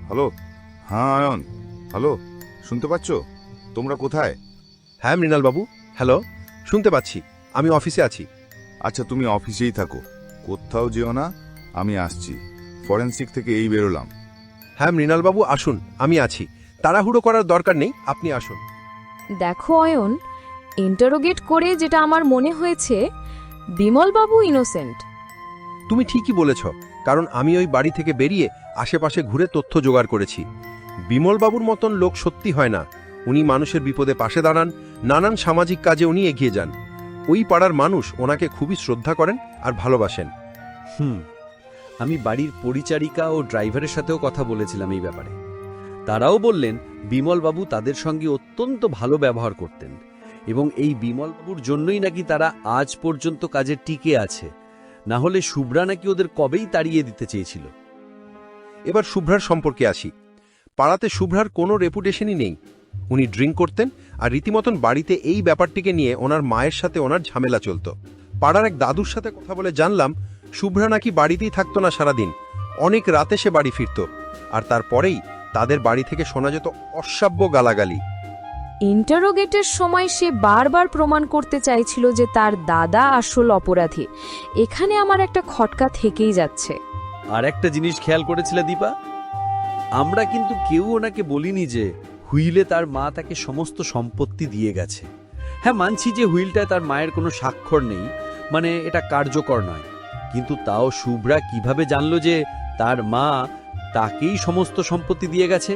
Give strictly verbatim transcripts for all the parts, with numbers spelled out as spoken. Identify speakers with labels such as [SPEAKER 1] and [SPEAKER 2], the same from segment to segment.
[SPEAKER 1] Hello. হ্যাঁ ion, hello, শুনতে পাচ্ছ? তোমরা কোথায়?
[SPEAKER 2] হ্যাঁ মৃণালবাবু, হ্যালো, শুনতে পাচ্ছি। আমি অফিসে আছি।
[SPEAKER 1] আচ্ছা, তুমি অফিসেই থাকো, কোথাও যেও না, আমি আসছি। ফরেন্সিক থেকে এই বেরোলাম।
[SPEAKER 2] হ্যাঁ মৃণালবাবু, আসুন, আমি আছি। তাড়াহুড়ো করার দরকার নেই, আপনি আসুন।
[SPEAKER 3] দেখো অয়ন, ইন্টারোগেট করে যেটা আমার মনে হয়েছে, বিমলবাবু ইনোসেন্ট।
[SPEAKER 2] তুমি ঠিকই বলেছ, কারণ আমি ওই বাড়ি থেকে বেরিয়ে আশেপাশে ঘুরে তথ্য জোগাড় করেছি। বিমলবাবুর মতন লোক সত্যি হয় না। উনি মানুষের বিপদে পাশে দাঁড়ান, নানান সামাজিক কাজে উনি এগিয়ে যান। ওই পাড়ার মানুষ ওনাকে খুবই শ্রদ্ধা করেন আর ভালোবাসেন।
[SPEAKER 4] হুম আমি বাড়ির পরিচারিকা ও ড্রাইভারের সাথেও কথা বলেছিলাম এই ব্যাপারে। তারাও বললেন বিমলবাবু তাদের সঙ্গে অত্যন্ত ভালো ব্যবহার করতেন এবং এই বিমলবাবুর জন্যই নাকি তারা আজ পর্যন্ত কাজে টিকে আছে। না হলে শুভ্রা নাকি ওদের কবেই তাড়িয়ে দিতে চেয়েছিল।
[SPEAKER 2] এবার শুভ্রার সম্পর্কে আসি। পাড়াতে শুভ্রার কোনো রেপুটেশনই নেই। উনি ড্রিঙ্ক করতেন আর রীতিমতন বাড়িতে এই ব্যাপারটিকে নিয়ে ওনার মায়ের সাথে ওনার ঝামেলা চলত। পাড়ার এক দাদুর সাথে কথা বলে জানলাম শুভ্রা নাকি বাড়িতেই থাকতো না সারাদিন, অনেক রাতে সে বাড়ি ফিরত। আর তারপরেই তাদের বাড়ি থেকে শোনা যেত অশ্রাব্য গালাগালি।
[SPEAKER 3] ইন্টারোগেটের সময় সে বারবার প্রমাণ করতে চাইছিল যে তার দাদা আসল অপরাধী। এখানে আমার একটা খটকা থেকেই যাচ্ছে।
[SPEAKER 4] আর একটা জিনিস খেয়াল করেছিলে দীপা, আমরা কিন্তু কেউ ওনাকে বলিনি যে হুইলে তার মা তাকে সমস্ত সম্পত্তি দিয়ে গেছে। হ্যাঁ, মানছি যে হুইলটায় তার মায়ের কোনো স্বাক্ষর নেই, মানে এটা কার্যকর নয়। কিন্তু তাও শুভ্রা কিভাবে জানলো যে তার মা তাকেই সমস্ত সম্পত্তি দিয়ে গেছে?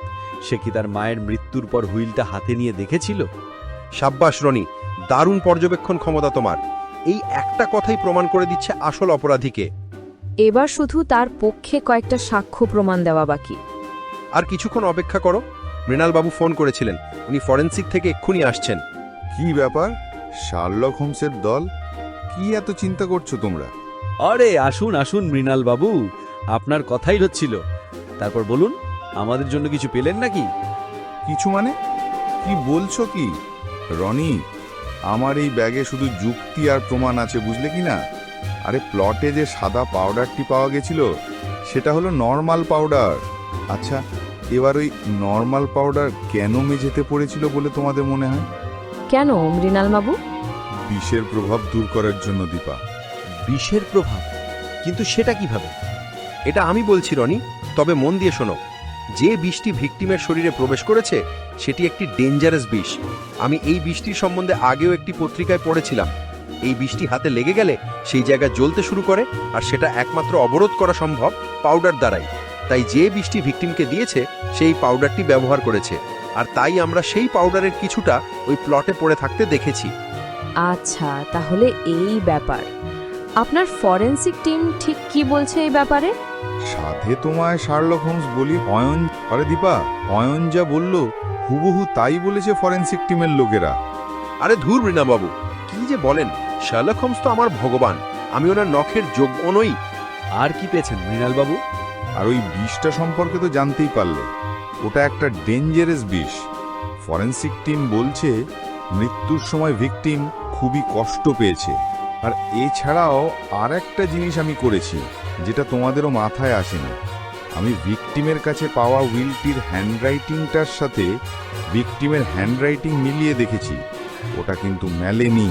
[SPEAKER 4] সে কি তার মায়ের মৃত্যুর পর হুইলটা হাতে নিয়ে দেখেছিল?
[SPEAKER 2] সাব্বাস রনি, দারুণ পর্যবেক্ষণ ক্ষমতা তোমার। এই একটা কথাই প্রমাণ করে দিচ্ছে আসল অপরাধীকে।
[SPEAKER 3] এবার শুধু তার পক্ষে কয়েকটা সাক্ষ্য প্রমাণ দেওয়া বাকি।
[SPEAKER 2] আর কিছুক্ষণ অপেক্ষা করো। মৃণালবাবু ফোন করেছিলেন, উনি ফরেন্সিক থেকে এক্ষুনি আসছেন।
[SPEAKER 1] কি ব্যাপার, শার্লক হোমসের দল? কি এত চিন্তা করছো তোমরা?
[SPEAKER 4] আরে আসুন আসুন মৃণাল বাবু, আপনার কথাই হচ্ছিল। তারপর বলুন, আমাদের জন্য কিছু পেলেন নাকি?
[SPEAKER 1] কিছু মানে কি বলছো কি রনি? আমার এই ব্যাগে শুধু যুক্তি আর প্রমাণ আছে, বুঝলে কি না? আরে প্লটে যে সাদা পাউডারটি পাওয়া গেছিল সেটা হলো নর্মাল পাউডার। আচ্ছা, এবার ওই নর্মাল পাউডার কেন মেঝেতে পড়েছিল বলে তোমাদের মনে হয়?
[SPEAKER 3] কেন মৃণালবাবু?
[SPEAKER 1] বিষের প্রভাব দূর করার জন্য দীপা।
[SPEAKER 4] বিষের প্রভাব? কিন্তু সেটা কিভাবে?
[SPEAKER 2] এটা আমি বলছি রনি, তবে মন দিয়ে শোনো। যে বিষটি ভিকটিমের শরীরে প্রবেশ করেছে সেটি একটি ডেঞ্জারাস বিষ। আমি এই বিষটির সম্বন্ধে আগেও একটি পত্রিকায় পড়েছিলাম। এই বিষটি হাতে লেগে গেলে সেই জায়গা জ্বলতে শুরু করে, আর সেটা একমাত্র অবরোধ করা সম্ভব পাউডার দ্বারাই। তাই যে বিষটি ভিকটিমকে দিয়েছে সেই পাউডারটি ব্যবহার করেছে, আর তাই আমরা সেই পাউডারের কিছুটা ওই প্লটে পড়ে থাকতে দেখেছি।
[SPEAKER 3] আচ্ছা, তাহলে এই ব্যাপার। আপনার ফরেন্সিক টিম ঠিক কি বলছে এই ব্যাপারে?
[SPEAKER 1] সাধে তোমায় শার্লক হোমস বলি অয়ন। আরে দীপা, অয়ন যা বলল হুবহু তাই বলেছে ফরেন্সিক টিমের লোকেরা।
[SPEAKER 2] আরে ধুর মৃণাবাবু, কি যে বলেন! শার্লক হোমস তো আমার ভগবান, আমি ওনার নখের যোগ্য নই।
[SPEAKER 4] আর কি পেয়েছেন মৃণাল বাবু?
[SPEAKER 1] আর ওই বিষটা সম্পর্কে তো জানতেই পারলে, ওটা একটা ডেঞ্জারাস বিষ। ফরেন্সিক টিম বলছে মৃত্যুর সময় ভিকটিম খুবই কষ্ট পেয়েছে। আর এছাড়াও আর একটা জিনিস আমি করেছি যেটা তোমাদেরও মাথায় আসেনি। আমি ভিকটিমের কাছে পাওয়া উইলটির হ্যান্ডরাইটিংটার সাথে ভিকটিমের হ্যান্ডরাইটিং মিলিয়ে দেখেছি, ওটা কিন্তু মেলেনি।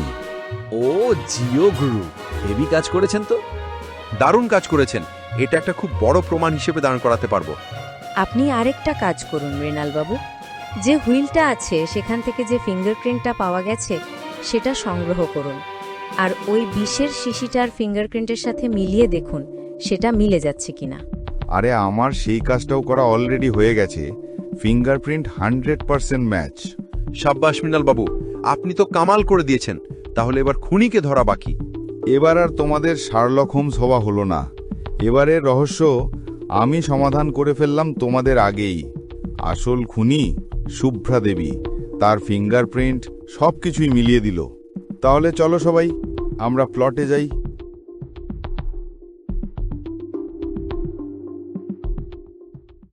[SPEAKER 4] ও জিও গুরু, হেভি কাজ করেছেন তো।
[SPEAKER 2] দারুণ কাজ করেছেন। এটা একটা খুব বড় প্রমাণ হিসেবে দাঁড় করাতে পারবো।
[SPEAKER 5] আপনি আরেকটা কাজ করুন মৃণালবাবু, যে হুইলটা আছে সেখান থেকে যে ফিঙ্গারপ্রিন্টটা পাওয়া গেছে সেটা সংগ্রহ করুন, আর ওই বিষের শিশিটার ফিঙ্গারপ্রিন্টের সাথে মিলিয়ে দেখুন সেটা মিলে যাচ্ছে কিনা।
[SPEAKER 1] আরে আমার সেই কাজটাও করা অলরেডি হয়ে গেছে। Fingerprint hundred percent match.
[SPEAKER 2] সাব্বাস মৃণালবাবু, আপনি তো কামাল করে দিয়েছেন। তাহলে এবার খুনিকে ধরা বাকি।
[SPEAKER 1] এবার আর তোমাদের শার্লক হোমস হওয়া হলো না। এবারের রহস্য আমি সমাধান করে ফেললাম তোমাদের আগেই। আসল খুনি শুভ্রা দেবী, তার ফিঙ্গারপ্রিন্ট সব কিছুই মিলিয়ে দিল। তাহলে চলো সবাই, আমরা প্লটে যাই।